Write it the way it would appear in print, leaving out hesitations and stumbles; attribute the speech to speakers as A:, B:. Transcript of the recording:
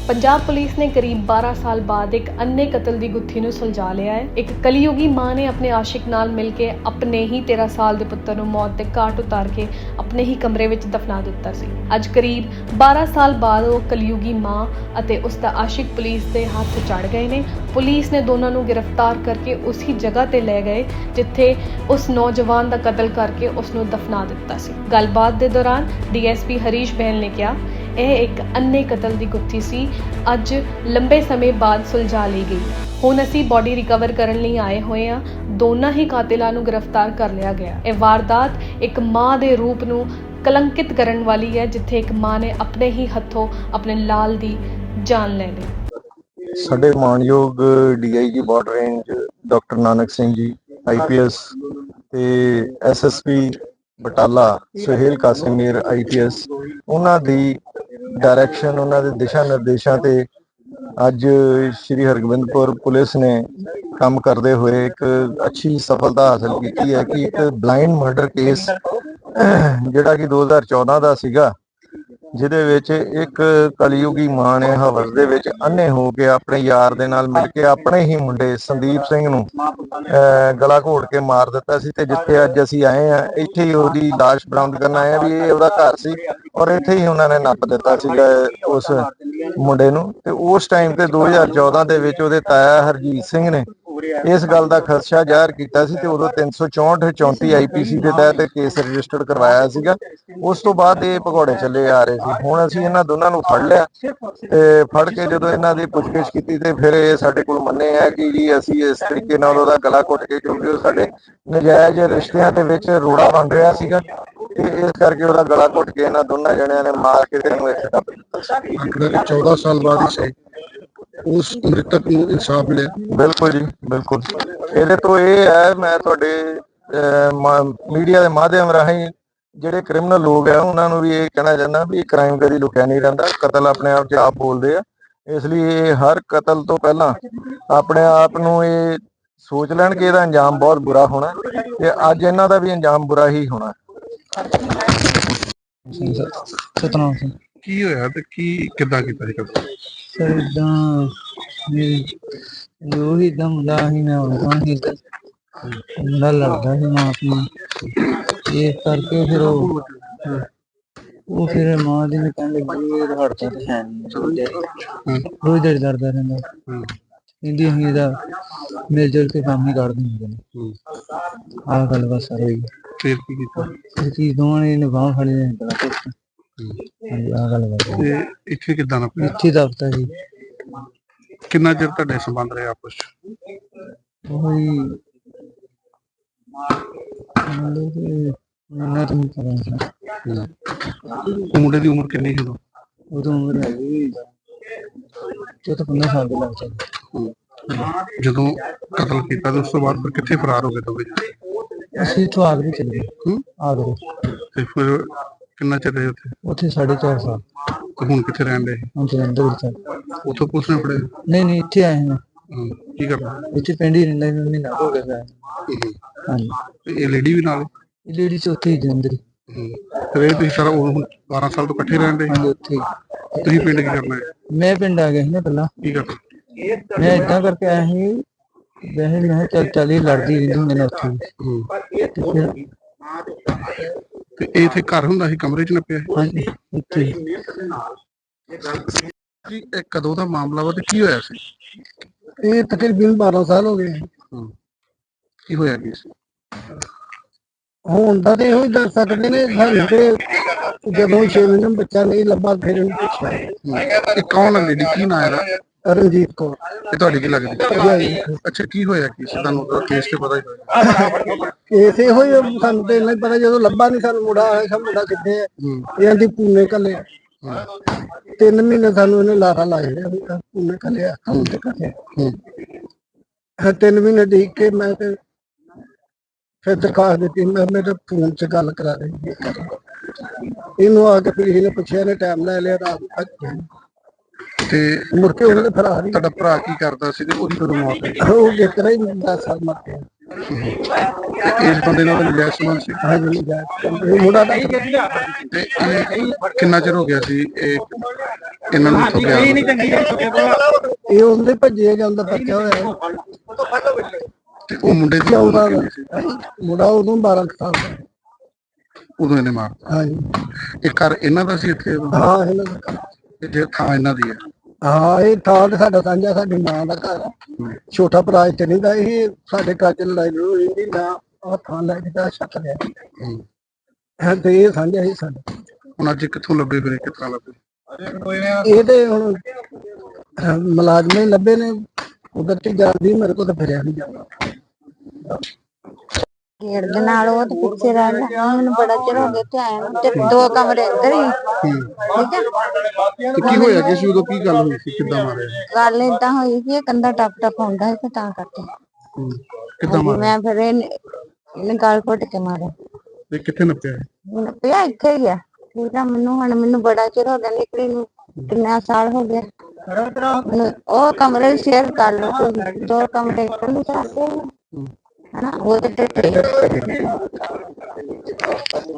A: Punjab police ने करीब 12 साल बाद एक अन्य कत्ल की गुत्थी नूं सुलझा लिया है। एक कलयुगी मां ने अपने आशिक नाल मिल के अपने ही 13 साल के पुत्तर नूं मौत के घाट उतार के अपने ही कमरे विच दफना दिता सी। अज करीब 12 साल बाद वो कलयुगी मां अते उसका आशिक पुलिस के हाथ चढ़ गए ने। पुलिस ने दोनों नूं गिरफ्तार करके उसी जगह ते ले गए जिथे उस नौजवान का कत्ल करके उसनूं दफना दिता सी। गलबात के दौरान DSP हरीश बहल ने कहा, यह एक अन्य कत्ल की गुत्थी सी, अज लंबे समय बाद सुलझा ली गई। हुण असीं बॉडी रिकवर करन लई आए हुए हां। दोनों ही कातिलां नूं गिरफ्तार कर लिया गया। यह वारदात एक मां दे रूप नूं कलंकित करन वाली है, जिथे एक मां ने अपने ही हत्थों अपने लाल दी जान ले ली।
B: साडे मानयोग DIG border range doctor Nanak Singh ji IPS ते SSP बटाला सुहेल कासिमीर IPS उन्हां दी डायरैक्शन उन्हां दे दिशा निर्देशों ते अज श्री हरगोबिंदपुर पुलिस ने काम करते हुए एक अच्छी सफलता हासिल की है कि एक ब्लाइंड मर्डर केस जिहड़ा कि 2014 का सीगा, जिहदे विच एक कलयुगी मां ने हवस दे विच अन्ने हो के अपने यार दे नाल मिल के अपने ही मुंडे संदीप सिंह नूं गला घोट के मार दिता सी। ते जिथे अज असीं आए हैं इत्थे ही ओहदी लाश बरामद करन आए हैं भी ये ओहदा घर सी और इत्थे ही उन्होंने नप दिता सीगा उस मुंडे नूं। ते उस टाइम ते 2014 दे विच ओहदे ताया हरजीत सिंह ने इस गल का खदशा जाहिर किया सी ते उदों 364 34 IPC के तहत केस रजिस्टर्ड करवाया सीगा। उस तो बाद ये भगौड़े चले आ रहे थे। हुण असीं इन्हां दोनां नूं फड़ लिया ते फड़ के जदों इन्हां दी पुछगिछ कीती ते फिर ये साडे कोल मन्ने है कि जी असीं इस तरीके नाल ओहदा गला घुट के, क्योंकि ओह साडे नजायज रिश्तिਆਂ ਦੇ ਵਿੱਚ रोड़ा बन रहा ਸੀਗਾ ਤੇ ਇਸ ਕਰਕੇ ਉਹਦਾ ਗਲਾ ਘੁੱਟ ਕੇ ਇਹਨਾਂ ਦੋਨਾਂ ਜਣਿਆਂ ਨੇ ਮਾਰ ਕੇ ਤੇ ਇਹਨੂੰ ਇੱਥੇ ਦੱਬ ਦਿੱਤਾ।
C: 14 साल बाद ही सही उस मृतक ਨੂੰ इंसाफ मिले।
B: बिल्कुल जी बिल्कुल। ਇਹਦੇ ਤੋਂ ਇਹ ਹੈ, ਮੈਂ ਤੁਹਾਡੇ ਮੀਡੀਆ ਦੇ ਮਾਧਿਅਮ ਰਾਹੀਂ ਜਿਹੜੇ ਕ੍ਰਿਮੀਨਲ ਲੋਕ ਆ ਉਹਨਾਂ ਨੂੰ ਵੀ ਇਹ ਕਹਿਣਾ ਚਾਹੁੰਦਾ ਵੀ ਕ੍ਰਾਈਮ ਕਦੀ ਲੁਕਿਆ ਨਹੀਂ ਰਹਿੰਦਾ, ਕਤਲ ਆਪਣੇ ਆਪ 'ਚ ਆਪ ਬੋਲਦੇ ਆ। ਇਸ ਲਈ ਇਹ ਹਰ ਕਤਲ ਤੋਂ ਪਹਿਲਾਂ ਆਪਣੇ ਆਪ ਨੂੰ ਇਹ ਸੋਚ ਲੈਣ ਕਿ ਇਹਦਾ ਅੰਜਾਮ ਬਹੁਤ ਬੁਰਾ ਹੋਣਾ ਤੇ ਅੱਜ ਇਹਨਾਂ ਦਾ ਵੀ ਅੰਜਾਮ ਬੁਰਾ ਹੀ ਹੋਣਾ।
C: ਸਤਨਾਮ ਸਿੰਘ ਕੀ ਹੋਇਆ ਤੇ ਕੀ ਕਿੱਦਾਂ ਕੀਤਾ ਸੀ ਕਤਲ?
D: ਸਰ ਇਦਾਂ ਜੋ ਹੀ ਦਮ ਦਾ ਹੀ ਮੈਂ ਉਹਨਾਂ ਹੀ ਮੁੰਡਾ ਲੜਦਾ ਸੀ ਮਾਂ ਆਪਣੀ, ਇਸ ਕਰਕੇ ਫਿਰ ਉਹ ਫਿਰ ਮਾਂ ਦੀ ਨੇ ਕਹਿਣ ਲੱਗੀ ਇਹ ਹੜਤਾ ਤੇ ਹੈ ਨਹੀਂ, ਰੋਜ਼ ਦਿਹਾੜੀ ਲੜਦਾ ਰਹਿੰਦਾ। ਕਹਿੰਦੀ ਅਸੀਂ ਇਹਦਾ ਮਿਲ ਜੁਲ ਕੇ ਕੰਮ ਹੀ ਕੱਢ ਦਿੰਦੇ ਨੇ। ਆਹ ਗੱਲ ਬਸ ਸਰ ਹੋਈ।
C: ਫਿਰ ਕੀ ਕੀਤਾ?
D: ਇਹ ਚੀਜ਼ ਦੋਵਾਂ ਨੇ ਬਾਂਹ ਫੜੀ ਨੇ ਬੜਾ ਕੁਛ। ਹਾਂਜੀ ਆਹ ਗੱਲ ਬਸ।
C: ਤੇ ਇੱਥੇ ਕਿੱਦਾਂ ਨਾ ਪਿਆ?
D: ਇੱਥੇ ਦਫਤਰ ਜੀ।
C: ਕਿੰਨਾ ਚਿਰ ਤੁਹਾਡੇ ਸੰਬੰਧ ਰਹੇ ਆਪਸ ਚ?
D: ਉਹੀ ਇਹਨਾਂ ਤੋਂ ਪਤਾ ਨਹੀਂ।
C: ਮੁੰਡੇ ਦੀ ਉਮਰ ਕਿੰਨੀ ਸੀ ਉਦੋਂ?
D: ਉਦੋਂ ਉਮਰ ਹੈਗੀ 14-15 ਸਾਲ ਦੇ ਲੱਗ ਜਾਂਦੇ।
C: ਜਦੋਂ ਕਤਲ ਕੀਤਾ ਤੇ ਉਸ ਤੋਂ ਬਾਅਦ ਫਿਰ ਕਿੱਥੇ ਫਰਾਰ ਹੋ ਗਏ ਦੋਵੇਂ?
D: ਅਸੀਂ ਇੱਥੋਂ ਆਗਰੇ ਚਲੇ ਗਏ। ਆਗਰੇ।
C: ਤੇ ਫਿਰ ਕਿੰਨਾ ਚਿਰ ਰਹੇ ਉੱਥੇ?
D: ਉੱਥੇ 4.5 ਸਾਲ।
C: ਤੇ ਹੁਣ ਕਿੱਥੇ ਰਹਿਣ ਦੇ?
D: ਹੁਣ ਜਲੰਧਰ ਵਿੱਚ।
C: ਉੱਥੋਂ ਪੁਲਿਸ ਨੇ ਫੜੇ?
D: ਨਹੀਂ ਇੱਥੇ ਆਏ ਹਾਂ।
C: ਕੀ ਕਰਨਾ
D: ਇੱਥੇ ਪਿੰਡ ਹੀ ਰਹਿੰਦਾ ਸੀ, ਮਹੀਨਾ ਹੋ ਗਿਆ। ਹਾਂਜੀ।
C: ਇਹ ਲੇਡੀ ਵੀ ਨਾਲ?
D: ਇਹ ਲੇਡੀ ਚ ਉੱਥੇ ਹੀ ਜਲੰਧਰ।
C: ਫਿਰ ਇਹ ਤੁਸੀਂ ਸਾਰਾ 12 ਸਾਲ ਤੋਂ ਇਕੱਠੇ ਰਹਿੰਦੇ?
D: ਹਾਂਜੀ ਉੱਥੇ।
C: ਤੁਸੀਂ ਪਿੰਡ ਕੀ ਕਰਨਾ ਹੈ?
D: ਮੈਂ ਪਿੰਡ ਆ ਗਿਆ ਸੀ ਨਾ ਪਹਿਲਾਂ।
C: ਕੀ ਕਰਨਾ?
D: ਮੈਂ ਏਦਾਂ ਕਰਕੇ ਆਇਆ ਸੀ, ਵੈਸੇ ਮੈਂ ਚੱਲ ਇਹ ਲੜਦੀ ਰਹਿੰਦੀ ਹੁੰਦੇ ਨੇ ਉੱਥੇ। ਤੇ ਫਿਰ
C: ਤੇ ਇਹ ਇੱਥੇ ਘਰ ਹੁੰਦਾ ਸੀ, ਕਮਰੇ ਚ ਨੱਪਿਆ?
D: ਹਾਂਜੀ ਇੱਥੇ।
C: ਇਹ ਕਦੋਂ ਦਾ ਮਾਮਲਾ ਵਾ ਤੇ ਕੀ ਹੋਇਆ ਸੀ?
D: ਇਹ ਤਕਰੀਬਨ 12 ਸਾਲ ਹੋ ਗਏ।
C: ਕੀ ਹੋਇਆ ਕੀ ਸੀ?
D: ਹੁਣ ਤਾਂ ਤੇ ਇਹੋ ਹੀ ਦੱਸ ਸਕਦੇ ਨੇ ਸਾਨੂੰ ਤੇ ਜਦੋਂ 6 ਮਹੀਨੇ ਬੱਚਾ ਨਹੀਂ ਲੱਭਾ ਫਿਰ ਇਹਨੂੰ ਪੁੱਛਿਆ।
C: ਇਹ ਕੌਣ ਹੈ ਲੇਡੀ? ਕੀ ਨਾਂ ਇਹਦਾ?
D: ਰਣਜੀਤ ਕੌਰ।
C: ਇਹ ਤੁਹਾਡੀ ਕੀ ਲੱਗਦੀ? ਅੱਛਾ ਕੀ ਹੋਇਆ ਕੀ ਸੀ? ਤੁਹਾਨੂੰ ਕੇਸ ਤੇ ਪਤਾ ਹੀ ਹੋਇਆ?
D: ਕੇਸ ਇਹੋ ਹੀ ਸਾਨੂੰ ਤੇ ਇੰਨਾ ਹੀ ਪਤਾ, ਜਦੋਂ ਲੱਭਾ ਨਹੀਂ ਸਾਨੂੰ ਮੁੰਡਾ ਆਇਆ ਮੁੰਡਾ ਕਿੱਥੇ ਹੈ, ਇਹਨਾਂ ਦੀ ਪੂਨੇ ਕੱਲਿਆ 3 ਮਹੀਨੇ ਸਾਨੂੰ ਇਹਨੇ ਲਾਰਾ ਲਾ ਛੜਿਆ ਪੂਨੇ ਕੱਲਿਆ ਕੰਮ ਤੇ ਕੱਲਿਆ। 3 ਮਹੀਨੇ ਦੇਖ ਕੇ ਮੈਂ ਤੇ ਫਿਰ ਦਰਖਾਸਤ ਦਿੱਤੀ, ਮੈਂ ਮੇਰੇ ਫੋਨ 'ਚ ਗੱਲ ਕਰਾ ਰਹੀ ਇਹਨੂੰ ਆ ਕੇ ਫਿਰ ਇਹਨੇ ਪੁੱਛਿਆ, ਨੇ ਟਾਈਮ ਲੈ ਲਿਆ ਰਾਤ ਤੱਕ
C: ਤੇ
D: ਮੁੜ ਕੇ ਉਹਨੇ ਫਰਾਰ ਹੀ।
C: ਤੁਹਾਡਾ ਭਰਾ ਕੀ ਕਰਦਾ ਸੀ ਤੇ ਉਹਦੀ ਕਦੋਂ ਮੌਤ ਹੋਈ?
D: ਉਹ ਕਿਤਨਾ ਹੀ 10 ਸਾਲ ਮਰ ਗਿਆ।
C: ਤੇ ਇਸ ਬੰਦੇ ਨਾਲ ਨਜਾਇਜ਼ ਸੰਬੰਧ ਸੀ
D: ਹਾਂਜੀ ਇਹ ਮੁੰਡਾ ਦਾ
C: ਤੇ ਇਹ ਕਿੰਨਾ ਚਿਰ ਹੋ ਗਿਆ ਸੀ ਇਹ ਇਹਨਾਂ ਨੂੰ ਇੱਥੋਂ ਗਿਆ
D: ਇਹ ਉਹਦੇ ਭੱਜੇ ਜਾਂਦਾ ਪੱਕਿਆ ਹੋਇਆ
C: ਤੇ ਉਹ ਮੁੰਡੇ ਦੀ ਉਮਰ
D: ਚੌਦਾਂ
C: ਕਿੰਨੀ ਸੀ?
D: ਮੁੰਡਾ ਉਦੋਂ 12 ਕੁ ਸਾਲ ਦਾ
C: ਉਦੋਂ ਇਹਨੇ ਮਾਰਤਾ
D: ਹਾਂਜੀ
C: ਇਹ ਘਰ ਇਹਨਾਂ ਦਾ ਸੀ ਇੱਥੇ
D: ਹਾਂ ਇਹਨਾਂ ਦਾ
C: ਤੇ ਜੇ ਥਾਂ ਇਹਨਾਂ ਦੀ ਹੈ
D: ਹਾਂ ਇਹ ਥਾਂ ਤੇ ਸਾਡਾ ਸਾਂਝਾ ਸਾਡੀ ਮਾਂ ਦਾ ਘਰ ਆ। ਛੋਟਾ ਭਰਾ ਇੱਥੇ ਨਹੀਂ ਦਾ ਇਹ ਸਾਡੇ ਘਰ ਚ ਲੜਾਈ ਹੋਈ ਇਹਦੀ ਨਾ ਉਹ ਥਾਂ ਲੈ ਕੇ ਦਾ ਛੱਕ ਲਿਆ ਤੇ ਇਹ ਸਾਂਝਾ ਹੀ ਸਾਡਾ
C: ਹੁਣ ਅੱਜ ਕਿੱਥੋਂ ਲੱਭੇ ਫਿਰ ਕਿਸ ਤਰ੍ਹਾਂ ਲੱਭੇ
D: ਇਹ ਤੇ ਹੁਣ ਮੁਲਾਜ਼ਮ ਹੀ ਲੱਭੇ ਨੇ ਉਧਰ ਤੇ ਜਾਂਦੀ ਮੇਰੇ ਕੋਲ ਤਾਂ ਫਿਰਿਆ ਨਹੀਂ ਜਾਂਦਾ
E: ਗੇੜ ਦੇ ਨਾਲ ਉਹ ਤੇ ਪਿੱਛੇ ਰਹਿ ਲਿਆ ਮੈਨੂੰ ਬੜਾ ਚਿਰ ਹੋ ਗਿਆ ਤੇ ਆਇਆ ਨੂੰ ਤੇ 2 ਕਮਰੇ ਅੰਦਰ ਹੀ ਠੀਕ ਹੈ
C: ਤੇ ਕੀ ਹੋਇਆ ਕਿ ਸੀ ਉਦੋਂ ਕੀ ਗੱਲ ਹੋਈ ਸੀ ਕਿੱਦਾਂ ਮਾਰਿਆ
E: ਗੱਲ ਏਦਾਂ ਹੋਈ ਕਿ ਇਹ ਕੰਧਾ ਟੱਪ ਹੁੰਦਾ ਸੀ ਤੇ ਤਾਂ ਕਰਕੇ
C: ਕਿੱਦਾਂ ਮਾਰਿਆ
E: ਮੈਂ ਫਿਰ ਇਹਨੇ ਗਾਲ ਘੁੱਟ ਕੇ ਮਾਰਿਆ
C: ਤੇ ਕਿੱਥੇ ਨੱਪਿਆ
E: ਮੈਨੂੰ ਪਿਆ ਇੱਥੇ ਹੀ ਆ ਠੀਕ ਆ ਮੈਨੂੰ ਬੜਾ ਚਿਰ ਹੋ ਗਿਆ ਨਿਕਲੀ ਨੂੰ ਕਿੰਨਾ ਸਾਲ ਹੋ ਗਿਆ ਉਹ ਕਮਰੇ ਸ਼ੇਅਰ ਕਰ ਲਓ 2 ਕਮਰੇ ਕੱਢ ਸਕਦੇ ਹਨਾ ਉਹ ਤੇ